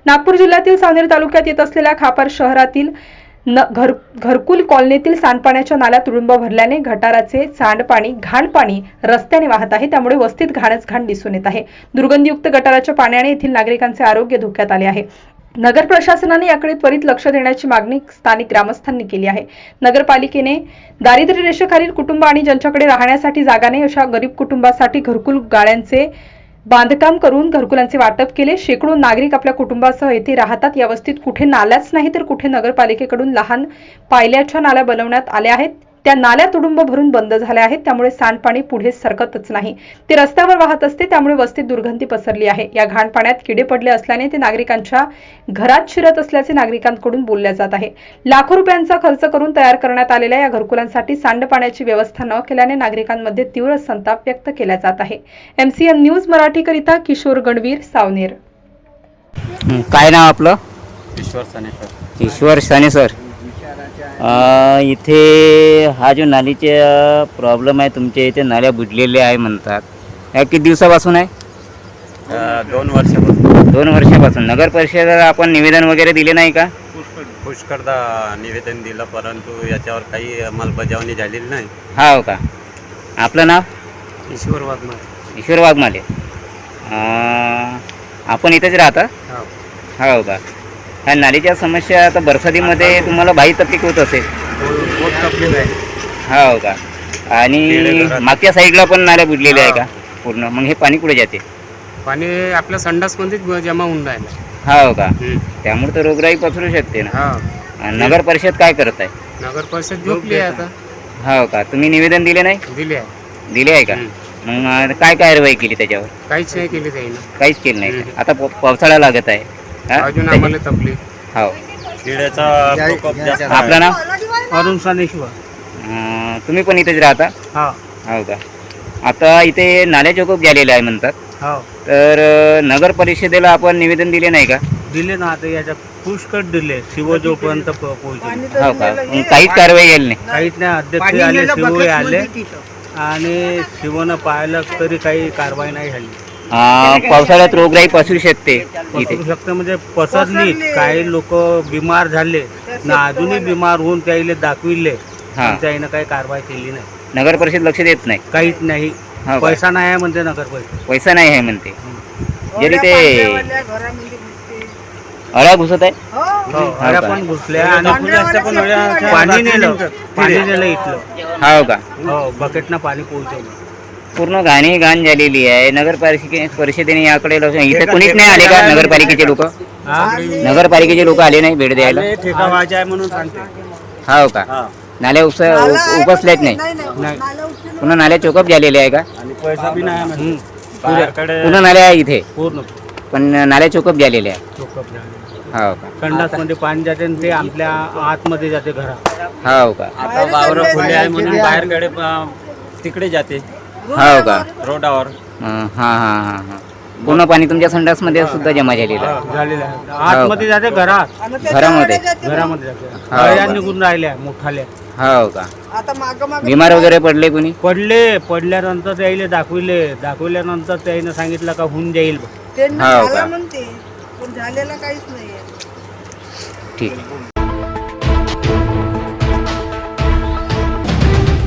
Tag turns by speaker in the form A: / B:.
A: नागपूर जिल्ह्यातील सावनेर तालुक्यात येत असलेल्या खापर शहरातील घरकुल कॉलनीतील सांडपाण्याच्या नाल्या तुडुंब भरल्याने गटाराचे सांडपाणी घाण पाणी रस्त्याने वाहत आहे। त्यामुळे वस्तीत घाणच घाण दिसून येत आहे। दुर्गंधीयुक्त गटाराच्या पाण्याने येथील नागरिकांचे आरोग्य धोक्यात आले आहे। नगर प्रशासनाने याकडे त्वरित लक्ष देण्याची मागणी स्थानिक ग्रामस्थांनी केली आहे। नगरपालिकेने दारिद्र्य रेषेखालील कुटुंब आणि ज्यांच्याकडे राहण्यासाठी जागा नाही अशा गरीब कुटुंबासाठी घरकुल गाळ्यांचे बांधकाम करून घरकुलांचे वाटप केले। शेकडो नागरिक आपल्या कुटुंबासह येथे राहतात। या वस्तीत कुठे नाल्याच नाही तर कुठे नगरपालिकेकडून लहान पायल्याच्या नाल्या बनवण्यात आल्या आहेत। त्या नाल्या तुडुंब भरून बंद झाल्या आहेत। त्यामुळे सांडपाणी पुढे सरकतच नाही, ते रस्त्यावर वाहत असते। त्यामुळे वस्तीत दुर्गंधी पसरली आहे। या घाण पाण्यात किडे पडले असल्याने ते नागरिकांच्या घरात शिरत असल्याचे नागरिकांकडून बोलले जात आहे। लाखो रुपयांचा खर्च करून तयार करण्यात आलेल्या या घरकुलांसाठी सांडपाण्याची व्यवस्था न केल्याने नागरिकांमध्ये तीव्र संताप व्यक्त केला जात आहे। MCN न्यूज मराठी करिता किशोर गणवीर, सावनेर।
B: काय नाव आपलं?
C: ईश्वर सानेसर।
B: ईश्वर सानेसर। इथे हा जो नालीचे प्रॉब्लेम आहे, तुमच्या इथे नाल्या बुजलेल्या आहे म्हणतात, या किती दिवसापासून आहे?
C: 2 वर्षापासून।
B: 2 वर्षापासून। नगर परिषदेला आपण निवेदन वगैरे दिले नाही का?
C: पुष्कळदा निवेदन दिलं, परंतु याच्यावर काही अंमलबजावणी झालेली नाही।
B: हो का? आपलं नाव?
C: ईश्वर वाघमारे।
B: ईश्वर वाघमारे। आपण इथेच राहता? हो का? ह्या नालीच्या समस्या आता बरसातीमध्ये तुम्हाला बाई तकलीफ होत असेल?
C: बहुत तकलीफ आहे।
B: हो का? आणि मागच्या साईडला पण नाल्या बुजलेल्या आहे का पूर्ण? मग हे पाणी कुठे जाते?
C: पाणी आपल्या संडासमध्येच जमा होऊन राहिलं।
B: हो का? त्यामुळे तर रोगराई पसरू शकते ना।
C: हा।
B: नगर परिषद काय करत आहे?
C: नगर परिषद झोपली आहे आता।
B: हो का? तुम्ही निवेदन दिले नाही?
C: दिली आहे।
B: दिले आहे का? मग काय कारवाई केली त्याच्यावर?
C: काहीच नाही केली जाईल।
B: काहीच केलं नाही का? आता पावसाळा लागत आहे,
C: अजून आम्हाला तकलीफ।
B: हो।
C: किड्याचा प्रकोप जास्त आहे।
B: आपलं नाव?
D: अरुण सानेश्वर।
B: तुम्ही पण इथेच राहता?
D: हा।
B: हो का? आता इथे नाल्या चोकोप झालेले आहे म्हणतात,
D: हो
B: तर नगर परिषदेला आपण निवेदन दिले नाही का?
D: दिले ना, आता याच्या पुष्कळ दिले, शिवजोपर्यंत पोहोचले।
B: हो का? मग काहीच कारवाई केली नाही?
D: काहीच नाही। अध्यक्ष आले, शिव आले आणि शिवनं पाहिलं तरी काही कारवाई नाही झाली।
B: पावसाळ्यात रोगराई पसरू शकते इथे।
D: पसरू शकते म्हणजे पसरली। काही लोक बिमार झाले ना, अजूनही बिमार होऊन त्याला दाखविले, त्यानं काही कारवाई केली नाही।
B: नगर परिषद लक्ष देत नाही?
D: काहीच नाही।
B: हो का?
D: पैसा नाही आहे म्हणते नगर परिषद।
B: पैसा नाही आहे म्हणते। जरी ते अळ्या घुसत आहे?
D: हो, अळ्या पण घुसल्या आणि पाणी नेलं इथलं।
B: हो का?
D: हो, बकेटनं पाणी पोहोचवलं।
B: पूर्ण घाण झालेली आहे। नगर परिषदेने याकडे लक्ष, इथे कोणीच नाही आले का नगरपालिकेचे लोक? नगरपालिकेचे लोक आले नाही भेट द्यायला?
D: ठेका व्हायचा आहे म्हणून सांगते।
B: हो का? नाल्या उपसल्याच नाही? पुन्हा नाल्या चोकअप झालेल्या आहे का?
D: आणि पैसा बी नाही
B: पुन्हा नाल्या आहे इथे
D: पूर्ण,
B: पण नाल्या चोकअप झालेल्या आहे?
D: चोकअप झाले।
B: हो का?
D: संडास मध्ये पाणी जाते आणि ते आपल्या आतमध्ये जाते घरात।
B: हो का?
C: आता वावर खुले आहे म्हणून बाहेरकडे तिकडे जाते।
B: हो का?
C: रोडावर।
B: हा। पूर्ण पाणी तुमच्या संडासमध्ये सुद्धा जमा झालेलं आहे?
D: झालेलं आहे। आतमध्ये जाते घरात,
B: घरामध्ये
D: जाते। अळ्या निघून राहिल्या मोठाल्या।
B: हो का? बिमार वगैरे पडले कोणी?
D: पडल्यानंतर त्याला दाखविल्यानंतर त्याने सांगितलं का होऊन जाईल।
B: हो का?
E: झालेला काहीच नाहीये।
B: ठीक आहे।